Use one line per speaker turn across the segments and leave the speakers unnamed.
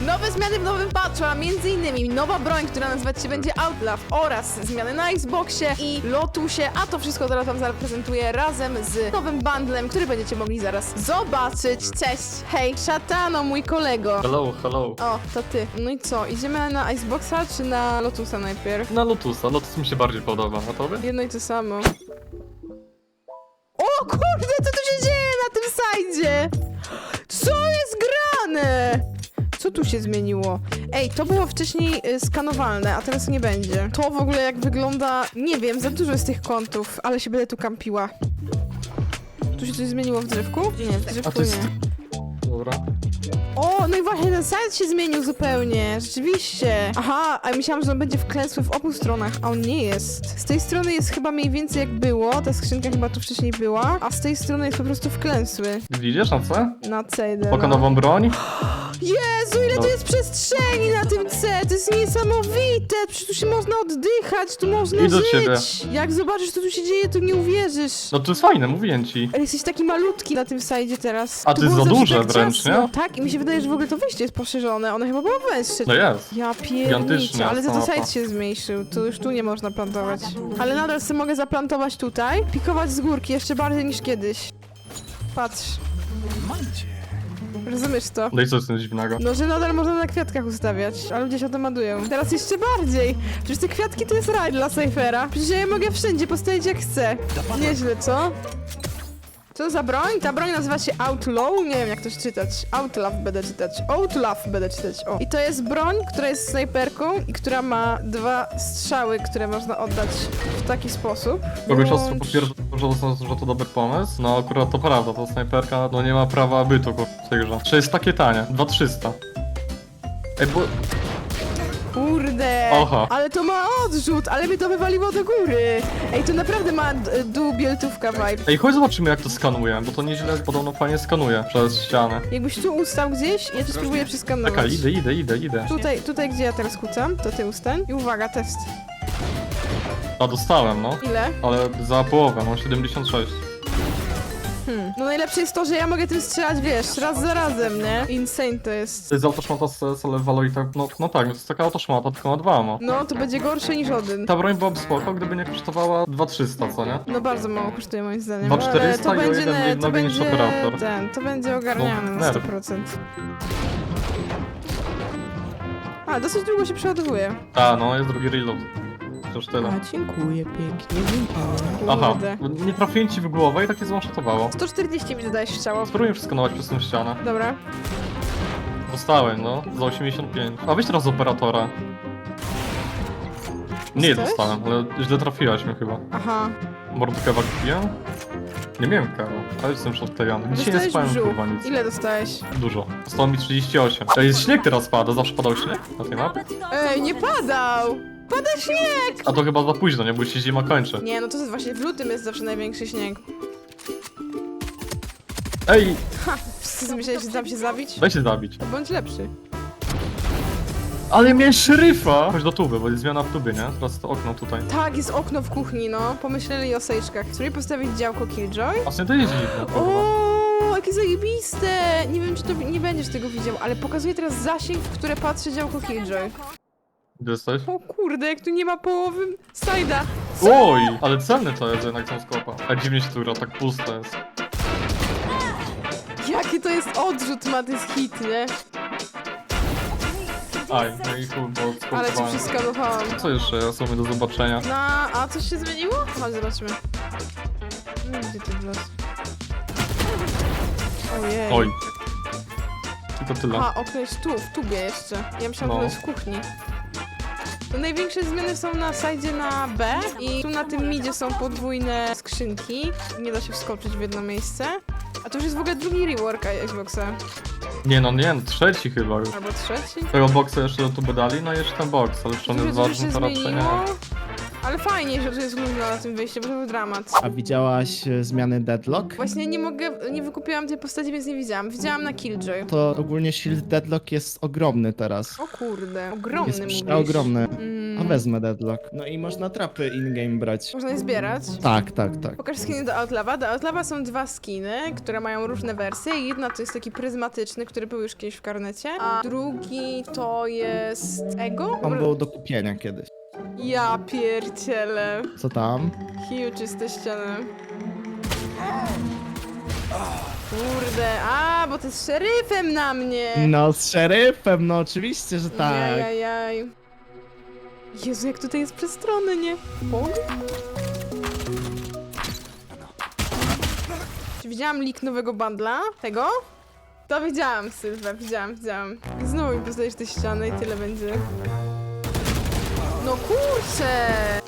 Nowe zmiany w nowym patchu, a m.in. nowa broń, która nazywać się będzie Outlaw oraz zmiany na Xboxie i Lotusie, a to wszystko teraz wam zaprezentuję razem z nowym bundlem, który będziecie mogli zaraz zobaczyć. Cześć, hej, szatano, mój kolego.
Hello, hello.
O, to ty. No i co, idziemy na Xboxa czy na Lotusa najpierw?
Na Lotusa. Lotus mi się bardziej podoba. A tobie?
Jedno i to samo. O kurde, co tu się dzieje na tym sajdzie? Co jest grane? Co tu się zmieniło? Ej, to było wcześniej skanowalne, a teraz nie będzie. To w ogóle jak wygląda... Nie wiem, za dużo jest tych kątów, ale się będę tu kampiła. Tu się coś zmieniło w drzewku? Nie, w drzewku
A to jest...
nie.
Dobra.
O, no i właśnie ten sajt się zmienił zupełnie, rzeczywiście. Aha, a ja myślałam, że on będzie wklęsły w obu stronach, a on nie jest. Z tej strony jest chyba mniej więcej jak było, ta skrzynka chyba tu wcześniej była, a z tej strony jest po prostu wklęsły.
Widzisz na C?
Na C idę,
Poka
no.
nową broń?
Jezu, ile tu jest przestrzeni na tym C, to jest niesamowite, przecież tu się można oddychać, tu można
I do
żyć.
ciebie.
Jak zobaczysz, co tu się dzieje, to nie uwierzysz.
No to jest fajne, mówię ci.
Ale jesteś taki malutki na tym sajdzie teraz.
A
Tu
to jest
było
za
zawsze
duże
tak
wręcz,
ciasno.
nie?
Tak, i mi się wydaje, że w ogóle to wejście jest poszerzone, ono chyba było węższe.
No jest.
Ja pierniczę,
Gigantyczne
ale za to
mapa.
sajt się zmniejszył, to już tu nie można plantować. Ale nadal sobie mogę zaplantować tutaj, pikować z górki jeszcze bardziej niż kiedyś. Patrz. Rozumiesz to?
No i co jest tym dziwnego?
No, że nadal można na kwiatkach ustawiać, a ludzie się o to madują. Teraz jeszcze bardziej! Przecież te kwiatki to jest raj dla Cyphera. Przecież ja je mogę wszędzie postawić jak chcę. Nieźle, co? Co za broń? Ta broń nazywa się Outlaw? Nie wiem jak to czytać. Outlaw będę czytać. Outlaw będę czytać. O. I to jest broń, która jest snajperką i która ma 2 strzały, które można oddać w taki sposób.
Kogoś ostro
Włącz-
potwierdza, że to dobry pomysł. No akurat to prawda, to snajperka no nie ma prawa bytu w tej grze. Czy jest takie tanie? 2300. Ej, bo...
Kurde,
Aha.
ale to ma odrzut, ale mnie to wywaliło do góry. Ej, to naprawdę ma dubieltówka vibe.
Ej, chodź zobaczymy jak to skanuje, bo to nieźle podobno fajnie skanuje przez ścianę.
Jakbyś tu ustał gdzieś, ja to spróbuję przeskanować.
Czekaj, idę.
Tutaj gdzie ja teraz kucam, to ty ustań. I uwaga, test.
A dostałem, no.
Ile?
Ale za połowę, mam 76.
No najlepsze jest to, że ja mogę tym strzelać, wiesz, raz za razem, nie? Insane to jest.
To jest autoszmata z Valorita, no tak, to jest taka autoszmata, tylko ma 2 ma.
No, to będzie gorsze niż Odyn.
Ta broń byłaby spoko, gdyby nie kosztowała 2300, co nie?
No bardzo mało kosztuje moim zdaniem.
2400
ale
i o jeden mniej
to
nowy niż
będzie
operator.
to będzie ogarniane
No,
na
nerw.
100%. A, dosyć długo się przeładowuje.
A, no jest drugi reload. Przecież tyle.
Dziękuję pięknie,
Aha,
Kurde.
nie trafiłem ci w głowę i takie zwanshotowało.
140 mi dodałeś strzała.
Spróbuję przeskanować przez tą ścianę.
Dobra.
Dostałem, no, za 85. A weź teraz operatora. Nie
Dostałeś?
dostałem, ale źle trafiłaś mnie chyba.
Aha.
Mordkewa kupiłem? Nie miałem karu, ale jestem już odklejony. Dzisiaj nie
Dostałeś
spałem
brzuch.
kurwa nic.
Ile dostałeś?
Dużo. Zostało mi 38. To jest śnieg teraz pada, zawsze padał śnieg na tej mapie?
Ej, nie padał! Pada śnieg!
A to chyba za późno, nie? Bo się zima kończy.
Nie, no to jest właśnie w lutym jest zawsze największy śnieg.
Ej,
Ha! Wszyscy myśleli, że dam się zabić?
daj się zabić.
To bądź lepszy.
Ale miałem szeryfa! Chodź do tuby, bo jest zmiana w tubie, nie? Teraz to okno tutaj.
Tak, jest okno w kuchni, no. Pomyśleli o sejczkach. Spróbuj postawić działko Killjoy.
Właśnie to jest dziwne, kurwa.
O, jakie zajebiste! Nie wiem, czy to nie będziesz tego widział, ale pokazuję teraz zasięg, w które patrzy działko Killjoy.
Gdzie jesteś?
O kurde, jak tu nie ma połowy sajda.
Oj, ale cenne to jest jednak tą skopa. A dziwnie się tu gra, tak pusto jest.
Jaki to jest odrzut, ma to jest hit, nie?
Aj, no i chuj, bo
Ale cię
skopowałem.
przeskanowałam.
Co jeszcze jest u mnie do zobaczenia?
A coś się zmieniło? Chodź, zobaczmy. Gdzie ty w los? Ojej.
Oj. I to tyle.
A, okno jest tu, w tubie jeszcze. Ja myślałam, że
No.
to jest w kuchni. To największe zmiany są na sajdzie na B i tu na tym midzie są podwójne skrzynki. Nie da się wskoczyć w jedno miejsce. A to już jest w ogóle drugi rework Xboxa.
Nie no, trzeci chyba już.
Albo trzeci.
Tego boxa jeszcze do tuby dali, no i jeszcze ten box, ale czy on
Dużo
jest
dużo
ważny,
się
to raczej nie.
zmieniło. Ale ale fajnie, że tu jest luźno na tym wyjściu, bo to był dramat.
A widziałaś zmiany Deadlock?
Właśnie nie wykupiłam tej postaci, więc nie widziałam. Widziałam na Killjoy.
To ogólnie shield Deadlock jest ogromny teraz.
O kurde, ogromny
Jest
mówisz.
przeogromny. A
Mm.
wezmę Deadlock. No i można trapy in-game brać.
Można je zbierać.
Tak.
Pokaż skiny do Outlawa. Do Outlawa są dwa skiny, które mają różne wersje. Jedna to jest taki pryzmatyczny, który był już kiedyś w karnecie, a drugi to jest Ego.
On był do kupienia kiedyś.
Ja pierdzielę.
Co tam?
Huge jest te ściany. Kurde, a, bo to jest szeryfem na mnie.
No z szeryfem, no oczywiście, że tak.
Jajajaj. Jezu, jak tutaj jest przestronny, nie? Bog? Czy widziałam leak nowego bundla? Tego? To widziałam, Sylwia, widziałam. Znowu mi poznajesz te ściany i tyle będzie. No kurczę!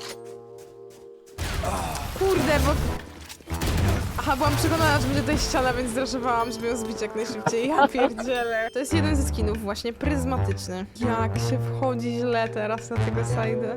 Kurde, bo... Aha, byłam przekonana, że będzie tutaj ściana, więc zraszowałam, żeby ją zbić jak najszybciej. Ja pierdzielę. To jest jeden ze skinów właśnie, pryzmatyczny. Jak się wchodzi źle teraz na tego side'a.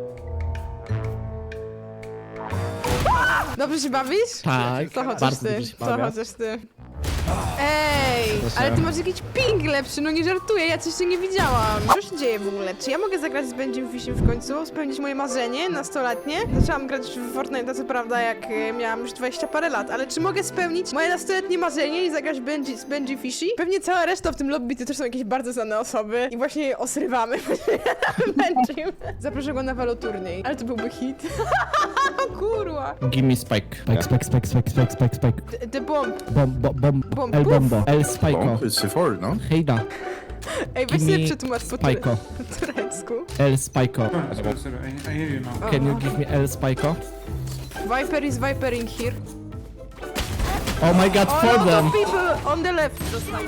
Dobrze się bawisz?
Tak,
To chociaż
bardzo
ty,
dobrze się
to
bawię.
chociaż ty. Ej,
Proszę.
ale ty masz jakiś ping lepszy, no nie żartuję, ja coś się nie widziałam. Co się dzieje w ogóle? Czy ja mogę zagrać z Benjim Fishem w końcu? Spełnić moje marzenie nastoletnie? Zaczęłam grać w Fortnite, co prawda, jak miałam już 20 parę lat, ale czy mogę spełnić moje nastoletnie marzenie i zagrać z Benji Fishy? Pewnie cała reszta w tym lobby to też są jakieś bardzo znane osoby i właśnie je osrywamy Benjim. Zaproszę go na waloturniej, ale to byłby hit. O kurwa.
Gimme spike.
Spike. The bomb. Bomb.
El bombo. El spiko.
Bomb is C4, no?
Hejda.
Ej, weź
Gimme
sobie przetłumacz po
Spiko.
turecku.
El spiko.
I hear you now.
Can you give me El spiko?
Viper is vipering here.
Oh my god,
A
for
lot
them!
of people on the left.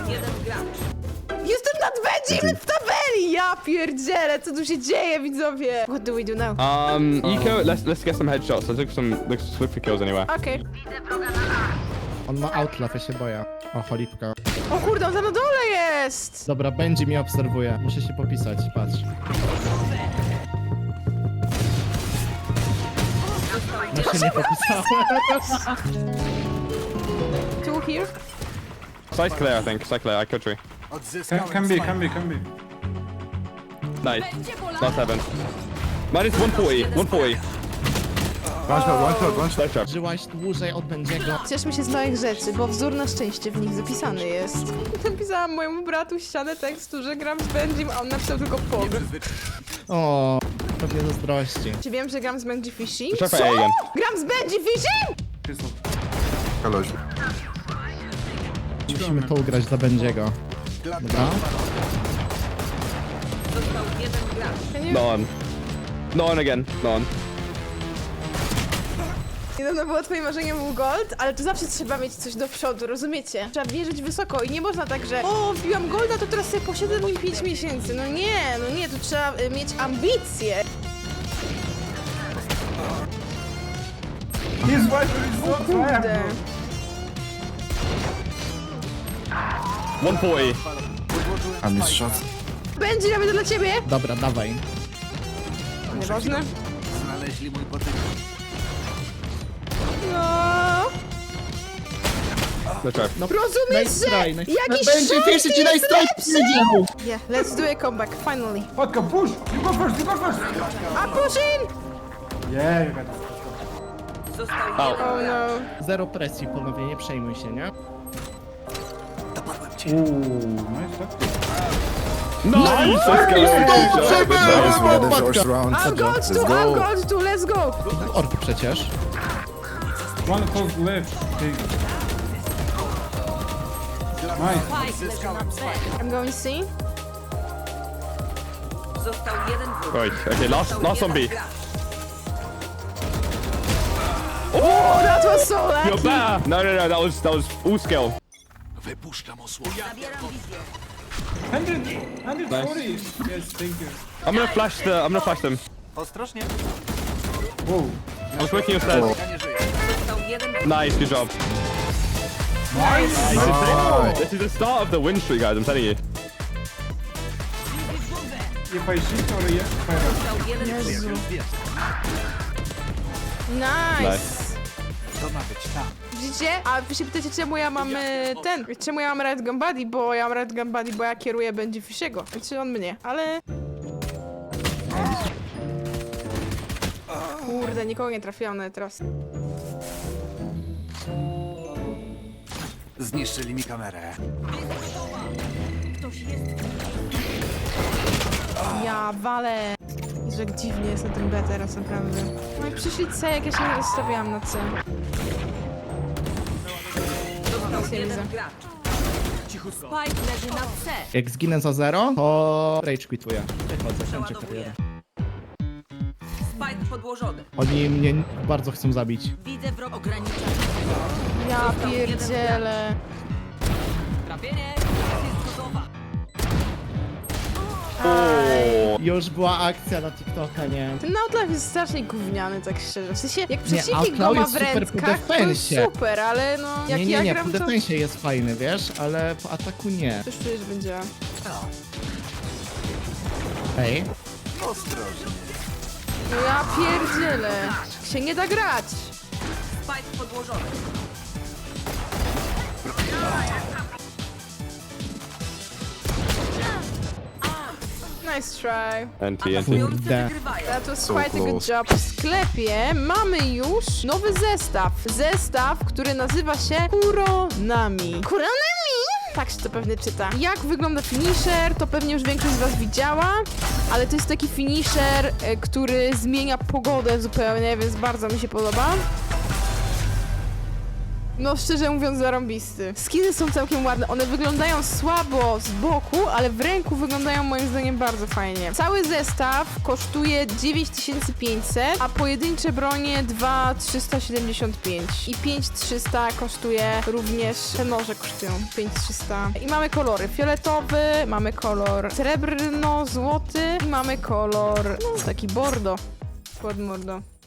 Jestem nad Benjim w tabeli! Ja pierdzielę, co tu się dzieje, widzowie? What do we do now?
Eco, let's get some headshots. Let's look for kills anyway.
Okej.
On ma outlaw, ja się boję. O, cholipka.
O kurde, on za na dole jest!
Dobra, będzie mnie obserwuje. Muszę się popisać, patrz. No się nie popisałem.
Two here.
Site's clear, I think. Site clear. I could tree.
Can be.
Nice. Last heaven. Minus 140. 140.
One shot.
Nice job.
Żyłaś dłużej od Benjiego.
Cieszmy się z małych rzeczy, bo wzór na szczęście w nich zapisany jest. Napisałam mojemu bratu ścianę tekstu, że gram z Benjim, a on napisał tylko POG.
O, pewnie zazdrości.
Czy wiem, że gram z Benji Fishy?
Check for A again.
Gram z Benji Fishy?
Hello.
Musimy to ugrać dla Benjiego. Dobra.
No on. No on again. No on.
Niedawno było twoim marzeniem był gold, ale to zawsze trzeba mieć coś do przodu, rozumiecie? Trzeba wierzyć wysoko i nie można tak, że o, wbiłam golda, to teraz sobie posiedzę nim 5 miesięcy. No nie, to trzeba mieć ambicje.
His wiper is so
Kurde.
140.
I missed shot.
Będzie, robię to dla ciebie?
Dobra, dawaj.
Nieważne. No.
No try.
Rozumiesz,
Nice
że
try, nice-
jakiś
Będzie
shot
pierwszy ci
jest
nice try
lepszy?
powiedział.
Yeah, let's do a comeback, finally.
Vodka, push! You go first!
A push in!
Yeah, you got it.
Out.
Oh no.
Zero presji, panowie, nie przejmuj się, nie?
Nice shot.
Nice! Let's go. Good job.
Nice, we had the first round.
I'm gold
Let's
too, I'm
go.
gold too, let's go!
Orb przecież.
One close left. Okay. Nice.
I'm going C.
Został jeden wróg.
Right. Okay. Last on B.
Oh, that was so
You're
lucky!
better. No. That was all skill.
Zabieram wizję.
140. Yes, thank you.
I'm gonna flash them.
Whoa.
I was working your stairs.
Został jeden wróg.
Nice. Good job.
Nice.
This is the start of the win streak, guys. I'm telling you.
If I shift or yeah, fire.
Został jeden wróg.
Nice. Widzicie? A wy się pytacie, czemu ja mam czemu ja mam Red Gun Buddy, bo ja mam Red Gun Buddy, bo ja kieruję będzie Fishiego. Znaczy on mnie, ale... Kurde, nikogo nie trafiłam nawet teraz.
Zniszczyli mi kamerę.
Ja walę. I że jak dziwnie jest na tym B teraz, naprawdę. No i przyszli C, jak ja się nie rozstawiałam na C.
Został
nie
jeden
widzę.
gracz. Spike leży na C.
Jak zginę za 0, to rage quituję. Wychodzę, kończę
Przeładowuję.
karierę.
Spike podłożony.
Oni mnie bardzo chcą zabić.
Widzę wrog ogranicza.
Ja pierdzielę.
Trafienie. Jest gotowa.
Już była akcja na TikToka, nie?
Ten Outlaw jest strasznie gówniany, tak szczerze. W sensie, jak przeciwnik
Outlaw
go ma
jest
w
super po
rękach, to jest
defensie.
super, ale no... Jak
Nie,
ja
nie,
gram,
po
to...
defensie jest fajny, wiesz? Ale po ataku nie.
Coś czuję, że będzie...
Ej.
No ja pierdzielę. Się nie da grać.
Spike podłożony.
Nice try.
Atakujący
Kurde.
wygrywają.
That was
So
quite a good
close.
job. W sklepie mamy już nowy zestaw. Zestaw, który nazywa się Kuronami. Kuronami? Tak się to pewnie czyta. Jak wygląda finisher, to pewnie już większość z was widziała, ale to jest taki finisher, który zmienia pogodę zupełnie, więc bardzo mi się podoba. No szczerze mówiąc zarąbisty. Skiny są całkiem ładne, one wyglądają słabo z boku, ale w ręku wyglądają moim zdaniem bardzo fajnie. Cały zestaw kosztuje 9500, a pojedyncze bronie 2375 i 5300 kosztuje również, te noże kosztują 5300 i mamy kolory fioletowy, mamy kolor srebrno-złoty i mamy kolor, no taki bordo pod mordo.